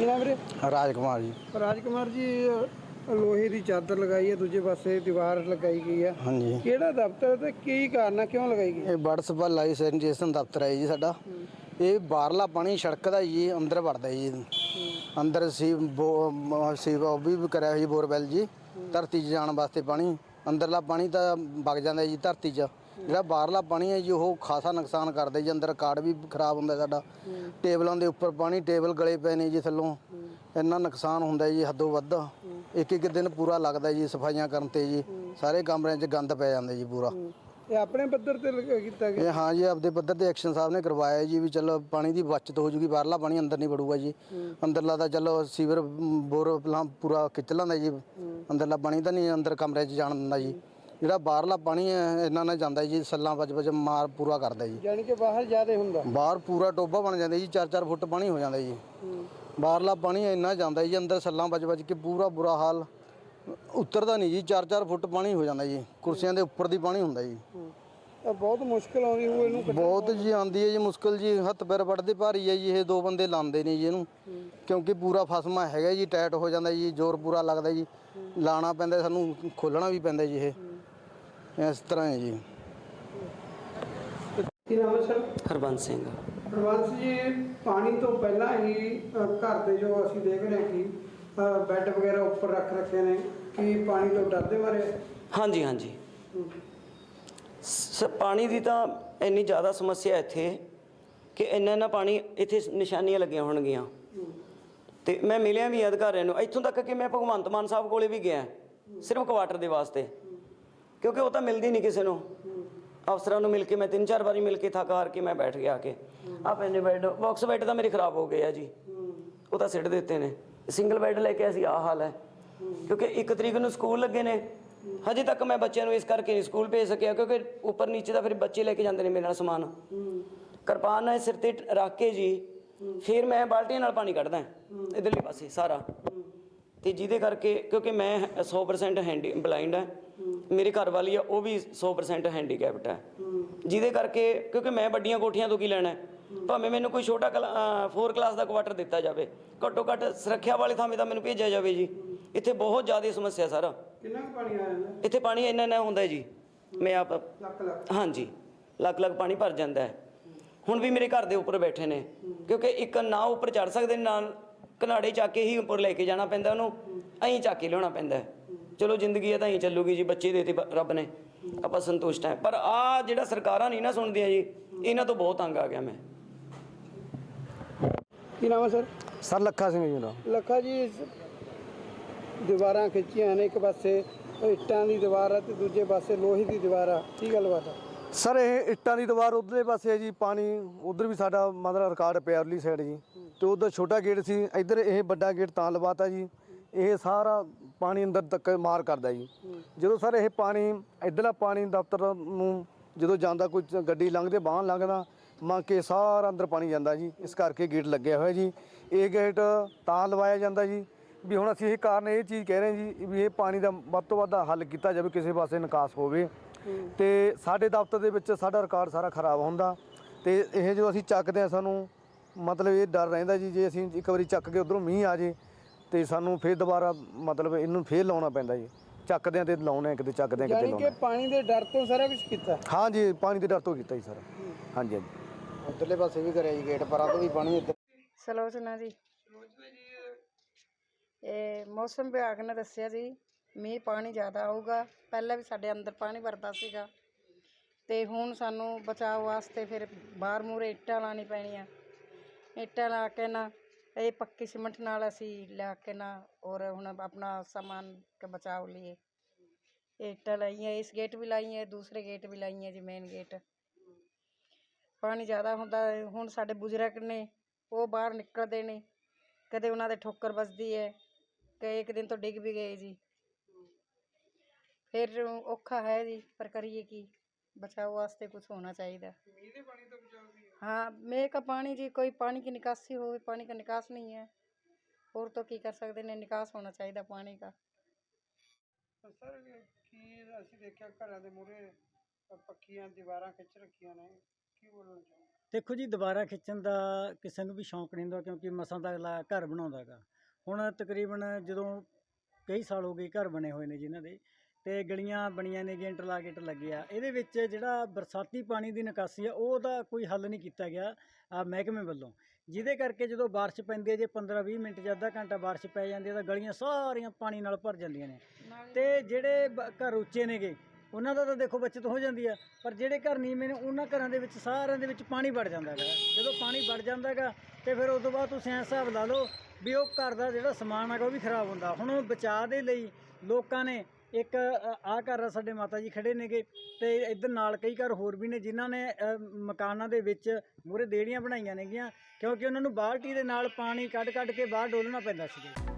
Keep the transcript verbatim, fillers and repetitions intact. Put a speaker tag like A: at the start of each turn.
A: ਕੀ ਨਾਮ ਵੀਰੇ?
B: ਰਾਜ ਕੁਮਾਰ ਜੀ।
A: ਰਾਜ ਕੁਮਾਰ ਜੀ, ਲੋਹੇ ਦੀ ਚਾਦਰ ਲਗਾਈ ਹੈ, ਦੂਜੇ ਪਾਸੇ ਦੀਵਾਰ ਲਗਾਈ ਗਈ ਹੈ।
B: ਹਾਂਜੀ,
A: ਕਿਹੜਾ ਦਫ਼ਤਰ ਤੇ ਕੀ ਕਾਰਨ ਹੈ, ਕਿਉਂ ਲਗਾਈ ਗਈ?
B: ਇਹ ਬਰਡ ਸਪਲਾਈ ਲਾਇਸੈਂਸੇਸ਼ਨ ਦਫ਼ਤਰ ਹੈ ਜੀ ਸਾਡਾ। ਇਹ ਬਾਹਰਲਾ ਪਾਣੀ ਸੜਕ ਦਾ ਜੀ ਅੰਦਰ ਵੜਦਾ ਜੀ। ਅੰਦਰ ਸੀ ਬੋ ਸੀ ਉਹ ਵੀ ਕਰਿਆ ਹੋਇਆ ਜੀ ਬੋਰਵੈਲ ਜੀ, ਧਰਤੀ 'ਚ ਜਾਣ ਵਾਸਤੇ ਪਾਣੀ। ਅੰਦਰਲਾ ਪਾਣੀ ਤਾਂ ਵਗ ਜਾਂਦਾ ਜੀ ਧਰਤੀ 'ਚ, ਜਿਹੜਾ ਬਾਹਰਲਾ ਪਾਣੀ ਹੈ ਜੀ ਉਹ ਖਾਸਾ ਨੁਕਸਾਨ ਕਰਦਾ ਜੀ। ਅੰਦਰ ਕਾਰਡ ਵੀ ਖਰਾਬ ਹੁੰਦਾ ਸਾਡਾ, ਟੇਬਲਾਂ ਦੇ ਉੱਪਰ ਪਾਣੀ, ਟੇਬਲ ਗਲੇ ਪਏ ਨੇ ਜੀ ਥੱਲੋਂ। ਇੰਨਾ ਨੁਕਸਾਨ ਹੁੰਦਾ ਜੀ ਹੱਦੋਂ ਵੱਧ। ਇੱਕ ਇੱਕ ਦਿਨ ਪੂਰਾ ਲੱਗਦਾ ਜੀ ਸਫਾਈਆਂ ਕਰਨ 'ਤੇ ਜੀ। ਸਾਰੇ ਕਮਰਿਆਂ 'ਚ ਗੰਦ ਪੈ ਜਾਂਦਾ ਜੀ ਪੂਰਾ।
A: ਇਹ ਆਪਣੇ ਪੱਧਰ ਤੇ ਲਗਾ- ਕੀਤਾ ਗਿਆ?
B: ਇਹ ਹਾਂ ਜੀ, ਆਪਦੇ ਪੱਧਰ ਤੇ ਐਕਸ਼ਨ ਸਾਹਿਬ ਨੇ ਕਰਵਾਇਆ ਜੀ ਵੀ ਚਲੋ ਪਾਣੀ ਦੀ ਬਚਤ ਹੋ ਜੂਗੀ, ਬਾਹਰਲਾ ਪਾਣੀ ਅੰਦਰ ਨਹੀਂ ਵੜੂਗਾ ਜੀ। ਅੰਦਰਲਾ ਤਾਂ ਚਲੋ ਸੀਵਰ ਬੋਰ ਪਹਿਲਾਂ ਪੂਰਾ ਖਿੱਚ ਲੈਂਦਾ ਜੀ, ਅੰਦਰਲਾ ਪਾਣੀ ਤਾਂ ਨਹੀਂ ਅੰਦਰ ਕਮਰੇ 'ਚ ਜਾਣ ਦਿੰਦਾ ਜੀ। ਜਿਹੜਾ ਬਾਹਰਲਾ ਪਾਣੀ ਹੈ ਇਹਨਾਂ ਨਾਲ ਜਾਂਦਾ ਜੀ, ਸੱਲਾਂ ਵੱਜ ਵੱਜ ਮਾਰ ਪੂਰਾ ਕਰਦਾ ਜੀ।
A: ਯਾਨੀ ਕਿ ਬਾਹਰ ਜ਼ਿਆਦਾ ਹੁੰਦਾ?
B: ਬਾਹਰ ਪੂਰਾ ਟੋਭਾ ਬਣ ਜਾਂਦਾ ਜੀ, ਚਾਰ ਚਾਰ ਫੁੱਟ ਪਾਣੀ ਹੋ ਜਾਂਦਾ ਜੀ। ਬਾਹਰਲਾ ਪਾਣੀ ਇੰਨਾ ਜਾਂਦਾ ਜੀ ਅੰਦਰ, ਸੱਲਾਂ ਵੱਜ ਵੱਜ ਕੇ ਪੂਰਾ ਬੁਰਾ ਹਾਲ, ਉਤਰਦਾ ਨਹੀਂ ਜੀ। ਚਾਰ ਚਾਰ ਫੁੱਟ ਪਾਣੀ ਹੋ ਜਾਂਦਾ ਜੀ, ਕੁਰਸੀਆਂ ਦੇ ਉੱਪਰ ਦੀ ਪਾਣੀ ਹੁੰਦਾ ਜੀ।
A: ਬਹੁਤ ਮੁਸ਼ਕਿਲ ਆਉਂਦੀ ਹੋਊ ਇਹਨੂੰ?
B: ਬਹੁਤ ਜੀ ਆਉਂਦੀ ਹੈ ਜੀ ਮੁਸ਼ਕਿਲ ਜੀ, ਹੱਥ ਪੈਰ ਵੱਢਦੇ ਭਾਰੀ ਹੈ ਜੀ। ਇਹ ਦੋ ਬੰਦੇ ਲਾਉਂਦੇ ਨੇ ਜੀ ਇਹਨੂੰ, ਕਿਉਂਕਿ ਪੂਰਾ ਫਸਮਾ ਹੈਗਾ ਜੀ, ਟਾਈਟ ਹੋ ਜਾਂਦਾ ਜੀ, ਜ਼ੋਰ ਪੂਰਾ ਲੱਗਦਾ ਜੀ। ਲਾਣਾ ਪੈਂਦਾ ਸਾਨੂੰ, ਖੋਲ੍ਹਣਾ ਵੀ ਪੈਂਦਾ ਜੀ। ਇਹ ਇਸ ਤਰ੍ਹਾਂ ਹੈ ਜੀ।
A: ਕੀ ਨਾਮ ਹੈ ਸਰ?
C: ਹਰਬੰਸ ਸਿੰਘ।
A: ਹਰਬੰਸ ਜੀ, ਪਾਣੀ ਤੋਂ ਪਹਿਲਾਂ ਹੀ ਅ, ਘਰ ਦੇ ਜੋ ਅਸੀਂ ਦੇਖ ਰਹੇ ਹਾਂ ਕਿ ਅ, ਬੈੱਡ ਵਗੈਰਾ ਉੱਪਰ ਰੱਖ ਰੱਖੇ ਨੇ, ਕੀ ਪਾਣੀ ਤੋਂ ਡਰਦੇ ਮਾਰੇ?
C: ਹਾਂਜੀ ਹਾਂਜੀ, ਸ ਪਾਣੀ ਦੀ ਤਾਂ ਇੰਨੀ ਜ਼ਿਆਦਾ ਸਮੱਸਿਆ ਇੱਥੇ ਕਿ ਇੰਨਾ ਇੰਨਾ ਪਾਣੀ ਇੱਥੇ ਨਿਸ਼ਾਨੀਆਂ ਲੱਗੀਆਂ ਹੋਣਗੀਆਂ। ਅਤੇ ਮੈਂ ਮਿਲਿਆ ਵੀ ਅਧਿਕਾਰੀਆਂ ਨੂੰ, ਇੱਥੋਂ ਤੱਕ ਕਿ ਮੈਂ ਭਗਵੰਤ ਮਾਨ ਸਾਹਿਬ ਕੋਲ ਵੀ ਗਿਆ ਸਿਰਫ ਕੁਆਟਰ ਦੇ ਵਾਸਤੇ, ਕਿਉਂਕਿ ਉਹ ਤਾਂ ਮਿਲਦੀ ਨਹੀਂ ਕਿਸੇ ਨੂੰ। ਅਫਸਰਾਂ ਨੂੰ ਮਿਲ ਕੇ ਮੈਂ ਤਿੰਨ ਚਾਰ ਵਾਰੀ ਮਿਲ ਕੇ ਥੱਕ ਹਾਰ ਕੇ ਮੈਂ ਬੈਠ ਗਿਆ ਕੇ ਆ ਪੈਨੇ ਬੈੱਡ ਬਾਕਸ ਬੈੱਡ ਤਾਂ ਮੇਰੇ ਖਰਾਬ ਹੋ ਗਏ ਆ ਜੀ, ਉਹ ਤਾਂ ਸਿੱਟ ਦਿੱਤੇ ਨੇ। ਸਿੰਗਲ ਬੈੱਡ ਲੈ ਕੇ ਅਸੀਂ ਆਹ ਹਾਲ ਹੈ, ਕਿਉਂਕਿ ਇੱਕ ਤਰੀਕ ਨੂੰ ਸਕੂਲ ਲੱਗੇ ਨੇ। ਹਜੇ ਤੱਕ ਮੈਂ ਬੱਚਿਆਂ ਨੂੰ ਇਸ ਕਰਕੇ ਨਹੀਂ ਸਕੂਲ ਭੇਜ ਸਕਿਆ, ਕਿਉਂਕਿ ਉੱਪਰ ਨੀਚੇ ਦਾ ਫਿਰ ਬੱਚੇ ਲੈ ਕੇ ਜਾਂਦੇ ਨੇ ਮੇਰੇ ਨਾਲ ਸਮਾਨ। ਕਿਰਪਾਨ ਨਾਲ ਸਿਰ 'ਤੇ ਰੱਖ ਕੇ ਜੀ, ਫਿਰ ਮੈਂ ਬਾਲਟੀਆਂ ਨਾਲ ਪਾਣੀ ਕੱਢਦਾ ਇੱਧਰਲੇ ਪਾਸੇ ਸਾਰਾ। ਅਤੇ ਜਿਹਦੇ ਕਰਕੇ, ਕਿਉਂਕਿ ਮੈਂ ਸੌ ਪਰਸੈਂਟ ਹੈਂਡੀ ਬਲਾਈਂਡ ਹੈ, ਮੇਰੇ ਘਰ ਵਾਲੀ ਆ ਉਹ ਵੀ ਸੌ ਪਰਸੈਂਟ ਹੈਂਡੀਕੈਪਟ ਹੈ। ਜਿਹਦੇ ਕਰਕੇ, ਕਿਉਂਕਿ ਮੈਂ ਵੱਡੀਆਂ ਕੋਠੀਆਂ ਤੋਂ ਕੀ ਲੈਣਾ, ਭਾਵੇਂ ਮੈਨੂੰ ਕੋਈ ਛੋਟਾ ਕਲਾ ਫੋਰ ਕਲਾਸ ਦਾ ਕੁਆਟਰ ਦਿੱਤਾ ਜਾਵੇ, ਘੱਟੋ ਘੱਟ ਸੁਰੱਖਿਆ ਵਾਲੇ ਥਾਵੇਂ ਤਾਂ ਮੈਨੂੰ ਭੇਜਿਆ ਜਾਵੇ ਜੀ। ਇੱਥੇ ਬਹੁਤ ਜ਼ਿਆਦਾ ਸਮੱਸਿਆ ਸਰ।
A: ਕਿੰਨਾ ਕੁ ਪਾਣੀ ਆ ਜਾਂਦਾ
C: ਇੱਥੇ? ਪਾਣੀ ਇੰਨਾ ਇੰਨਾ ਹੁੰਦਾ ਜੀ, ਮੈਂ ਆਪ
A: ਲੱਖ ਲੱਖ?
C: ਹਾਂਜੀ, ਲੱਖ ਲੱਖ ਪਾਣੀ ਭਰ ਜਾਂਦਾ ਹੈ। ਹੁਣ ਵੀ ਮੇਰੇ ਘਰ ਦੇ ਉੱਪਰ ਬੈਠੇ ਨੇ, ਕਿਉਂਕਿ ਇੱਕ ਨਾ ਉੱਪਰ ਚੜ੍ਹ ਸਕਦੇ, ਨਾਲ ਘਨਾੜੇ ਚੱਕ ਕੇ ਹੀ ਉੱਪਰ ਲੈ ਕੇ ਜਾਣਾ ਪੈਂਦਾ ਉਹਨੂੰ, ਐਂ ਚੱਕ ਕੇ ਲਿਆਉਣਾ ਪੈਂਦਾ। ਚਲੋ ਜ਼ਿੰਦਗੀ ਹੈ ਤਾਂ ਐਂ ਚੱਲੂਗੀ ਜੀ, ਬੱਚੇ ਦੇ ਦਿੱਤੇ ਰੱਬ ਨੇ, ਆਪਾਂ ਸੰਤੁਸ਼ਟ ਹੈ। ਪਰ ਆਹ ਜਿਹੜਾ ਸਰਕਾਰਾਂ ਨਹੀਂ ਨਾ ਸੁਣਦੀਆਂ ਜੀ, ਇਹਨਾਂ ਤੋਂ ਬਹੁਤ ਤੰਗ ਆ ਗਿਆ ਮੈਂ।
A: ਕੀ ਨਾਮ ਹੈ ਸਰ?
B: ਸਰ ਲੱਖਾ ਸਿੰਘ ਜੀ ਮੇਰਾ।
A: ਲੱਖਾ ਜੀ, ਦੀਵਾਰਾਂ ਖਿੱਚੀਆਂ ਨੇ, ਇੱਕ ਪਾਸੇ ਇੱਟਾਂ ਦੀ ਦੀਵਾਰ ਆ ਤੇ ਦੂਜੇ ਪਾਸੇ ਲੋਹੇ ਦੀ ਦੀਵਾਰ ਆ, ਕੀ ਗੱਲਬਾਤ ਆ?
B: ਸਰ ਇਹ ਇੱਟਾਂ ਦੀ ਦੀਵਾਰ ਉਧਰਲੇ ਪਾਸੇ ਹੈ ਜੀ, ਪਾਣੀ ਉਧਰ ਵੀ ਸਾਡਾ ਮਤਲਬ ਰਿਕਾਰਡ ਪਿਆ ਉਰਲੀ ਸਾਈਡ ਜੀ, ਅਤੇ ਉਧਰ ਛੋਟਾ ਗੇਟ ਸੀ, ਇੱਧਰ ਇਹ ਵੱਡਾ ਗੇਟ ਤਾਂ ਲਵਾਤਾ ਜੀ। ਇਹ ਸਾਰਾ ਪਾਣੀ ਅੰਦਰ ਤੱਕ ਮਾਰ ਕਰਦਾ ਜੀ। ਜਦੋਂ ਸਰ ਇਹ ਪਾਣੀ ਇੱਧਰਲਾ ਪਾਣੀ ਦਫ਼ਤਰ ਨੂੰ ਜਦੋਂ ਜਾਂਦਾ, ਕੋਈ ਗੱਡੀ ਲੰਘਦੇ ਵਾਹਨ ਲੰਘਦਾ, ਮੰਗ ਕੇ ਸਾਰਾ ਅੰਦਰ ਪਾਣੀ ਜਾਂਦਾ ਜੀ। ਇਸ ਕਰਕੇ ਗੇਟ ਲੱਗਿਆ ਹੋਇਆ ਜੀ। ਇਹ ਗੇਟ ਤਾਂ ਲਵਾਇਆ ਜਾਂਦਾ ਜੀ ਵੀ ਹੁਣ ਅਸੀਂ ਇਹ ਕਾਰਨ ਇਹ ਚੀਜ਼ ਕਹਿ ਰਹੇ ਜੀ ਵੀ ਇਹ ਪਾਣੀ ਦਾ ਵੱਧ ਤੋਂ ਵੱਧ ਹੱਲ ਕੀਤਾ ਜਾਵੇ, ਕਿਸੇ ਪਾਸੇ ਨਿਕਾਸ ਹੋਵੇ। ਅਤੇ ਸਾਡੇ ਦਫ਼ਤਰ ਦੇ ਵਿੱਚ ਸਾਡਾ ਰਿਕਾਰਡ ਸਾਰਾ ਖਰਾਬ ਹੁੰਦਾ, ਅਤੇ ਇਹ ਜੋ ਅਸੀਂ ਚੱਕਦੇ ਹਾਂ ਸਾਨੂੰ ਮਤਲਬ ਇਹ ਡਰ ਰਹਿੰਦਾ ਜੀ, ਜੇ ਅਸੀਂ ਇੱਕ ਵਾਰੀ ਚੱਕ ਕੇ ਉੱਧਰੋਂ ਮੀਂਹ ਆ ਜੇ ਅਤੇ ਸਾਨੂੰ ਫਿਰ ਦੁਬਾਰਾ ਮਤਲਬ ਇਹਨੂੰ ਫਿਰ ਲਾਉਣਾ ਪੈਂਦਾ ਜੀ। ਚੱਕਦੇ ਹਾਂ ਅਤੇ ਲਾਉਣੇ, ਕਿਤੇ ਚੱਕਦੇ ਹਾਂ ਕਿਤੇ ਲਾਉਣਾ।
A: ਪਾਣੀ ਦੇ ਡਰ ਤੋਂ ਸਾਰਾ ਕੁਝ ਕੀਤਾ?
B: ਹਾਂਜੀ, ਪਾਣੀ ਦੇ ਡਰ ਤੋਂ ਕੀਤਾ ਜੀ ਸਰ। ਹਾਂਜੀ ਹਾਂਜੀ, ਉੱਧਰਲੇ ਪਾਸੇ ਵੀ ਕਰਿਆ ਜੀ, ਗੇਟ ਪਰਾਂ ਤੋਂ ਵੀ ਪਾਣੀ ਇੱਧਰ।
D: ਸਲੋਚਨਾ ਜੀ। ਇਹ ਮੌਸਮ ਵਿਭਾਗ ਨੇ ਦੱਸਿਆ ਜੀ ਮੀਂਹ ਪਾਣੀ ਜ਼ਿਆਦਾ ਆਊਗਾ। ਪਹਿਲਾਂ ਵੀ ਸਾਡੇ ਅੰਦਰ ਪਾਣੀ ਵਰਦਾ ਸੀਗਾ, ਅਤੇ ਹੁਣ ਸਾਨੂੰ ਬਚਾਅ ਵਾਸਤੇ ਫਿਰ ਬਾਹਰ ਮੂਹਰੇ ਇੱਟਾਂ ਲਾਉਣੀ ਪੈਣੀਆਂ। ਇੱਟਾਂ ਲਾ ਕੇ ਨਾ ਇਹ ਪੱਕੀ ਸੀਮੈਂਟ ਨਾਲ ਅਸੀਂ ਲਿਆ ਕੇ ਨਾ, ਔਰ ਹੁਣ ਆਪਣਾ ਸਾਮਾਨ ਕੇ ਬਚਾਓ ਲਈ ਇਹ ਇੱਟਾਂ ਲਾਈਆਂ। ਇਸ ਗੇਟ ਵੀ ਲਾਈਆਂ, ਦੂਸਰੇ ਗੇਟ ਵੀ ਲਾਈਆਂ ਜੀ, ਮੇਨ ਗੇਟ। ਪਾਣੀ ਜ਼ਿਆਦਾ ਹੁੰਦਾ, ਹੁਣ ਸਾਡੇ ਬਜ਼ੁਰਗ ਨੇ ਉਹ ਬਾਹਰ ਨਿਕਲਦੇ ਨੇ, ਕਦੇ ਉਹਨਾਂ ਦੇ ਠੋਕਰ ਵੱਜਦੀ ਹੈ, ਕਈ ਇੱਕ ਦਿਨ ਤੋਂ ਡਿੱਗ ਵੀ ਗਏ ਜੀ। ਫਿਰ ਔਖਾ ਹੈ ਜੀ, ਪਰ ਕਰੀਏ ਕੀ, बचाव वास्ते कुछ होना चाहिए। हाँ, मेरे का पानी जी कोई पानी की निकासी हो, पानी का निकास नहीं है, और तो की कर सकते हैं, निकास होना चाहिए पानी का।
A: सर की ਅਸੀਂ ਦੇਖਿਆ ਘਰਾਂ ਦੇ ਮੂਹਰੇ ਪੱਕੀਆਂ ਦੀਵਾਰਾਂ ਖਿੱਚ ਰੱਖੀਆਂ ਨੇ, ਕੀ ਬੋਲਣਾ ਚਾਹੁੰਦੇ?
E: ਦੇਖੋ ਜੀ, ਦੁਬਾਰਾ ਖਿੱਚਣ ਦਾ ਕਿਸੇ ਨੂੰ ਵੀ ਸ਼ੌਂਕ ਨਹੀਂ ਹੁੰਦਾ, ਕਿਉਂਕਿ ਮਸਾਂ ਦਾ ਅਗਲਾ ਘਰ ਬਣਾਉਂਦਾ ਗਾ। ਹੁਣ ਤਕਰੀਬਨ ਜਦੋਂ ਕਈ ਸਾਲ ਹੋ ਗਏ ਘਰ ਬਣੇ ਹੋਏ ਨੇ ਜਿਨ੍ਹਾਂ ਦੇ, ਤੇ ਗਲੀਆਂ ਬਣੀਆਂ ਨੇ, ਗੇਟ ਲਾਗੇਟ ਲੱਗੇ ਆ, ਇਹਦੇ ਵਿੱਚ ਜਿਹੜਾ ਬਰਸਾਤੀ ਪਾਣੀ ਦੀ ਨਿਕਾਸੀ ਆ ਉਹਦਾ ਕੋਈ ਹੱਲ ਨਹੀਂ ਕੀਤਾ ਗਿਆ ਆ ਮਹਿਕਮੇ ਵੱਲੋਂ, ਜਿਹਦੇ ਕਰਕੇ ਜਦੋਂ ਬਾਰਿਸ਼ ਪੈਂਦੀ ਹੈ, ਜੇ ਪੰਦਰਾਂ ਵੀਹ ਮਿੰਟ ਜਾਂ ਅੱਧਾ ਘੰਟਾ ਬਾਰਿਸ਼ ਪੈ ਜਾਂਦੀ ਹੈ ਤਾਂ ਗਲੀਆਂ ਸਾਰੀਆਂ ਪਾਣੀ ਨਾਲ ਭਰ ਜਾਂਦੀਆਂ ਨੇ। ਤੇ ਜਿਹੜੇ ਬ- ਘਰ ਉੱਚੇ ਨੇਗੇ ਉਹਨਾਂ ਦਾ ਤਾਂ ਦੇਖੋ ਬਚਤ ਹੋ ਜਾਂਦੀ ਆ, ਪਰ ਜਿਹੜੇ ਘਰ ਨੀਵੇਂ ਨੇ ਉਹਨਾਂ ਘਰਾਂ ਦੇ ਵਿੱਚ ਸਾਰਿਆਂ ਦੇ ਵਿੱਚ ਪਾਣੀ ਵੜ ਜਾਂਦਾ ਹੈਗਾ। ਜਦੋਂ ਪਾਣੀ ਵੜ ਜਾਂਦਾ ਹੈਗਾ ਤੇ ਫਿਰ ਉਸ ਤੋਂ ਬਾਅਦ ਤੁਸੀਂ ਐਂ ਹਿਸਾਬ ਲਾ ਲਓ ਵੀ ਉਹ ਘਰ ਦਾ ਜਿਹੜਾ ਸਮਾਨ ਹੈਗਾ ਉਹ ਵੀ ਖਰਾਬ ਹੁੰਦਾ। ਹੁਣ ਬਚਾਅ ਦੇ ਲਈ ਲੋਕਾਂ ਨੇ ਇੱਕ ਆਹ ਘਰ ਆ ਸਾਡੇ ਮਾਤਾ ਜੀ ਖੜੇ ਨੇਗੇ, ਤੇ ਇੱਧਰ ਨਾਲ ਕਈ ਘਰ ਹੋਰ ਵੀ ਨੇ ਜਿਨ੍ਹਾਂ ਨੇ ਅ, ਮਕਾਨਾਂ ਦੇ ਵਿੱਚ ਮੂਹਰੇ ਦੇੜੀਆਂ ਬਣਾਈਆਂ ਨੇਗੀਆਂ, ਕਿਉਂਕਿ ਉਹਨਾਂ ਨੂੰ ਬਾਲਟੀ ਦੇ ਨਾਲ ਪਾਣੀ ਕੱਢ ਕੱਢ ਕੇ ਬਾਹਰ ਡੋਲਣਾ ਪੈਂਦਾ ਸੀ।